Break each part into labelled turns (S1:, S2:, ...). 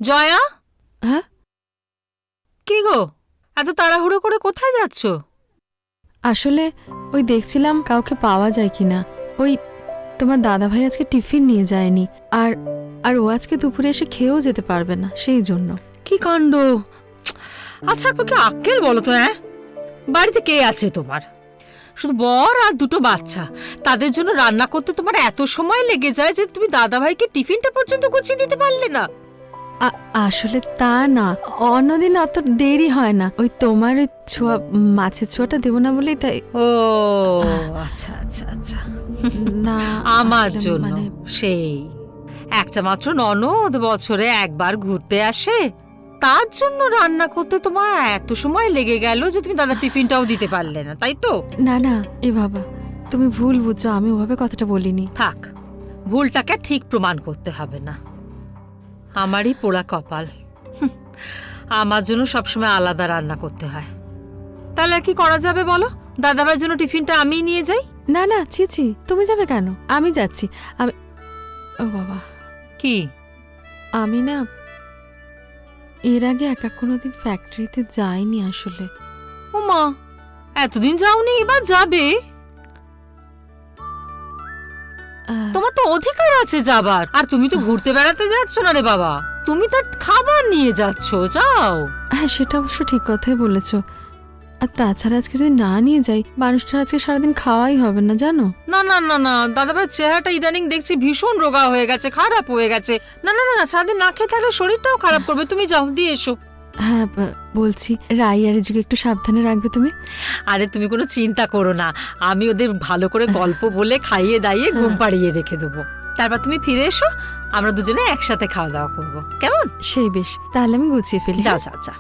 S1: জয়া,
S2: হ্যাঁ,
S1: কি গো এত তাড়াহুড়ো করে কোথায় যাচ্ছ?
S2: আসলে ওই দেখছিলাম কাউকে পাওয়া যায় কিনা। ওই তোমার দাদাভাই আজকে টিফিন নিয়ে যায়নি, আর আর ও আজকে দুপুরে এসে খেয়েও যেতে পারবে না, সেই জন্য।
S1: কি কাণ্ড! আচ্ছা কি আক্কেল বলো তো, বাড়িতে কে আছে তোমার? শুধু বর আর দুটো বাচ্চা, তাদের জন্য রান্না করতে তোমার এত সময় লেগে যায় যে তুমি দাদাভাইকে টিফিনটা পর্যন্ত গুছিয়ে দিতে পারলে না।
S2: আসলে তা না, অন্যদিন অত দেরি হয় না। ওই তোমার ওই ছোঁয়া, মাছের ছোঁয়াটা দেবো না বলেই তাই।
S1: ও আচ্ছা আচ্ছা আচ্ছা।
S2: না,
S1: আমার
S2: আসলে
S1: জন্য
S2: মানে
S1: সেই একটা মাত্র ননদ বছরে একবার ঘুরতে আসে, তার জন্য রান্না করতে তোমার এত সময় লেগে গেল যে তুমি দাদা টিফিনটাও দিতে পারলে না, তাই তো?
S2: না না, এ বাবা, তুমি ভুল বুঝছো, আমি ওভাবে কথাটা বলিনি।
S1: থাক, ভুলটাকে ঠিক প্রমাণ করতে হবে না। আমারই পোড়া কপাল, আমার জন্য সবসময় আলাদা রান্না করতে হয়। তাহলে আর কি করা যাবে বলো? দাদাভাইয়ের জন্য টিফিনটা আমি নিয়ে যাই।
S2: না না, ছি ছি, তুমি যাবে কেন? আমি যাচ্ছি। আমি, ও বাবা,
S1: কি?
S2: আমি না এর আগে একা কোনোদিন ফ্যাক্টরিতে যাইনি আসলে।
S1: ও মা, এতদিন যাওনি, এবার যাবে? তোমার তো অধিকার আছে যাবার, আর তুমি তো ঘুরতে বেড়াতে যাচ্ছ না রে বাবা, তুমি তার খাবার নিয়ে যাচ্ছ, যাও।
S2: হ্যাঁ, সেটা অবশ্য ঠিক কথাই বলেছো। আর তাছাড়া আজকে যদি না নিয়ে যাই, মানুষটার আজকে সারাদিন খাওয়াই হবে না, জানো।
S1: না না না না, দাদাভাইয়ের চেহারাটা ইদানিং দেখছি ভীষণ রোগা হয়ে গেছে, খারাপ হয়ে গেছে। না না না, সারাদিন না খেয়ে থাকলে শরীরটাও খারাপ করবে। তুমি যাও, দিয়ে এসো।
S2: হ্যাঁ, বলছি রাই আর রিজুকে একটু সাবধানে রাখবে তুমি।
S1: আরে তুমি কোনো চিন্তা করো না, আমি ওদের ভালো করে গল্প বলে খাইয়ে দাইয়ে ঘুম পাড়িয়ে রেখে দেবো। তারপর তুমি ফিরে এসো, আমরা দুজনে একসাথে খাওয়া দাওয়া করবো, কেমন?
S2: সেই বেশ, তাহলে আমি গুছিয়ে ফেলি।
S1: যাও যাও যাও।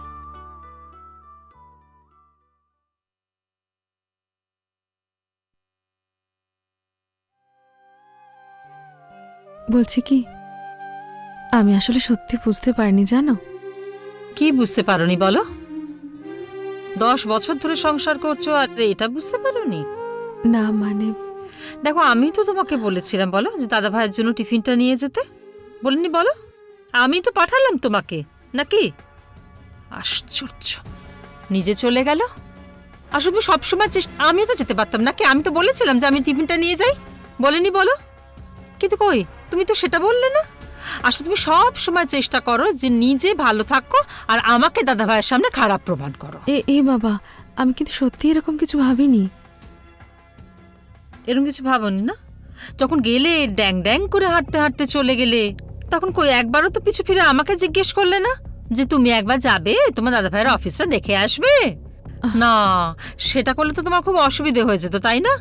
S2: বলছি কি, আমি আসলে সত্যি বুঝতে পারিনি, জানো।
S1: কি বুঝতে পারোনি বলো? 10 বছর ধরে সংসার করছো আর এটা বুঝতে পারোনি?
S2: না মানে,
S1: দেখো, আমি তো তোমাকে বলেছিলাম বলো যে দাদা ভাইয়ের জন্য টিফিনটা নিয়ে যেতে, বলিনি বলো? আমি তো পাঠালাম তোমাকে, নাকি? আশ্চর্য, নিজে চলে গেল। আসলে সবসময় চেষ্টা, আমিও তো যেতে পারতাম নাকি? আমি তো বলেছিলাম যে আমি টিফিনটা নিয়ে যাই, বলিনি বলো? কিন্তু কই, তুমি তো সেটা বললে না। আসলে তুমি সব সময় চেষ্টা করো যে নিজে ভালো থাকো আর আমাকে দাদা ভাইয়ের সামনে খারাপ প্রমাণ করো।
S2: এ বাবা, আমি কিন্তু সত্যি এরকম কিছু ভাবিনি।
S1: এরকম কিছু ভাবনি না? যখন গেলে ড্যাং ড্যাং করে হাঁটতে হাঁটতে চলে গেলে, তখন কই একবারও তো পিছু ফিরে আমাকে জিজ্ঞেস করলে না যে তুমি একবার যাবে তোমার দাদা ভাইয়ের অফিসটা দেখে আসবে? না, সেটা করলে তো তোমার খুব অসুবিধে হয়ে যেত, তাই না?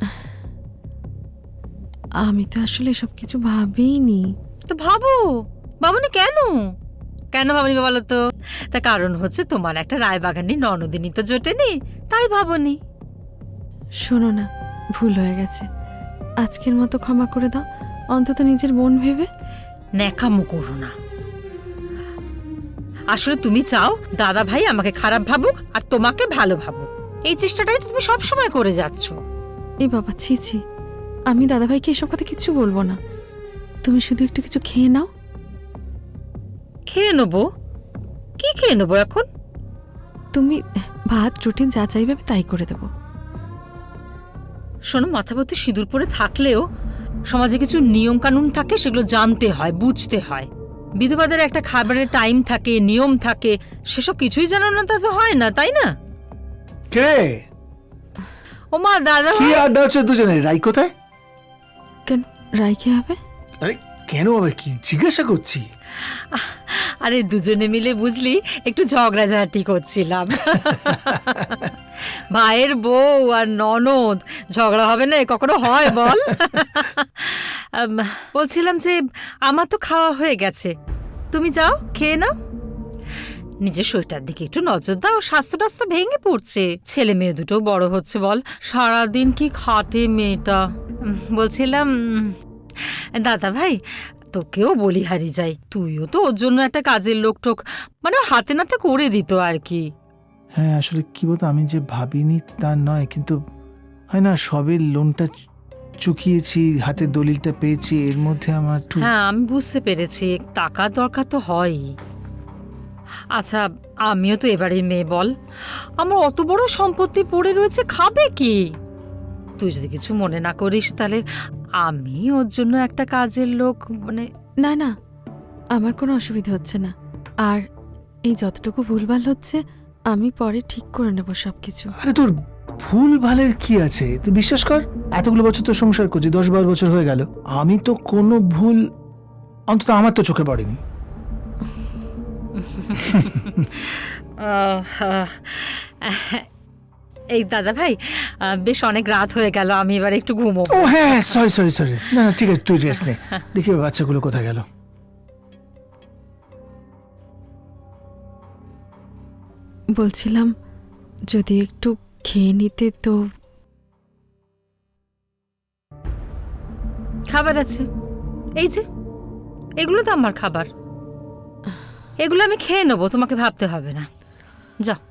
S2: আমি তো আসলে এসব কিছু ভাবিনি।
S1: তো ভাবো, ভাবনি কেন? কেন ভাবনি বলো তো? তার কারণ হচ্ছে তোমার একটা রায়বাগানি ননদিনী তো জোটেনি, তাই ভাবনি।
S2: শোনো না, ভুল হয়ে গেছে, আজকের মতো ক্ষমা করে দাও, অন্তত নিজের বোন ভেবে।
S1: ন্যাকামো করো না। আসলে তুমি চাও দাদা ভাই আমাকে খারাপ ভাবুক আর তোমাকে ভালো ভাবুক, এই চেষ্টাটাই তো তুমি সবসময় করে যাচ্ছ।
S2: এ বাবা, ছি ছি, আমি দাদাভাইকে এসব কথা কিছু বলবো না। তুমি শুধু একটু কিছু খেয়ে নাও।
S1: খেয়ে নেবো? কি খেয়ে নেবো এখন?
S2: তুমি ভাত রুটি যা চাইবে আমি তাই করে দেবো।
S1: শোনো, মাথাপতি সিঁদুর পরে থাকলেও সমাজে কিছু নিয়ম কানুন থাকে, সেগুলো জানতে হয়, বুঝতে হয়। বিধবাদের একটা খাবারের টাইম থাকে, নিয়ম থাকে, সেসব কিছুই জানো না, তা তো হয় না, তাই না?
S3: কে?
S1: ও মা, দাদা
S3: কি
S1: ভাই।
S3: আড্ডা হচ্ছে দুজনে? রাই কোথায়?
S2: কেন, রাই কে হবে?
S3: আরে কেন, আবার কি জিজ্ঞাসা করছি?
S1: আরে দুজনে মিলে বুঝলি একটু ঝগড়াঝাটি করছিলাম। ভাইয়ের বউ আর ননদ ঝগড়া হবে না, কখনো হয় বল? বলছিলাম যে আমার তো খাওয়া হয়ে গেছে, তুমি যাও খেয়ে নাও। নিজের শরীরটার দিকে একটু নজর দাও, স্বাস্থ্য টাস্থ্য ভেঙে পড়ছে, ছেলে মেয়ে দুটো বড় হচ্ছে বল, সারাদিন কি খাটে মেয়েটা। বলছিলাম দাদা ভাই, তোকেও বলিহারি যাই, তুইও তো ওর জন্য একটা কাজের লোক টোক মানে ওর হাতে নাতে করে দিত আর কি।
S3: হ্যাঁ, আসলে কি বলতো, আমি যে ভাবিনি তা নয়, কিন্তু হয় না, সবে লোনটা চুকিয়েছি, হাতে দলিলটা পেয়েছি, এর মধ্যে আমার
S1: হ্যাঁ, আমি বুঝতে পেরেছি, টাকার দরকার তো হয়ই। আচ্ছা, আমিও তো এবারের মেয়ে বল, আমার অত বড় সম্পত্তি পড়ে রয়েছে, খাবে কি? তুই যদি কিছু মনে না করিস তাহলে আমি ওর জন্য একটা কাজের লোক মানে
S2: না না, আমার কোনো অসুবিধা হচ্ছে না। আর এই যতটুকু ভুলভাল হচ্ছে আমি পরে ঠিক করে নেব সব কিছু।
S3: আরে তোর ভুল ভালের কি আছে, তুই বিশ্বাস কর, এতগুলো বছর তো সংসার করছি, 10-12 বছর হয়ে গেল, আমি তো কোনো ভুল অন্তত আমার তো চোখে পড়েনি।
S1: এই দাদা ভাই, বেশ অনেক রাত হয়ে গেল, আমি এবার একটু ঘুমোবো।
S3: ও হ্যাঁ, সরি সরি সরি, না না ঠিক আছে, তুই রেস্ট নে, দেখি ওর বাচ্চাগুলো কোথায় গেল।
S2: বলছিলাম যদি একটু খেয়ে নিতে তো।
S1: খাবার আছে, এই যে এগুলো তো আমার খাবার, এগুলো আমি খেয়ে নেবো, তোমাকে ভাবতে হবে না। যাও।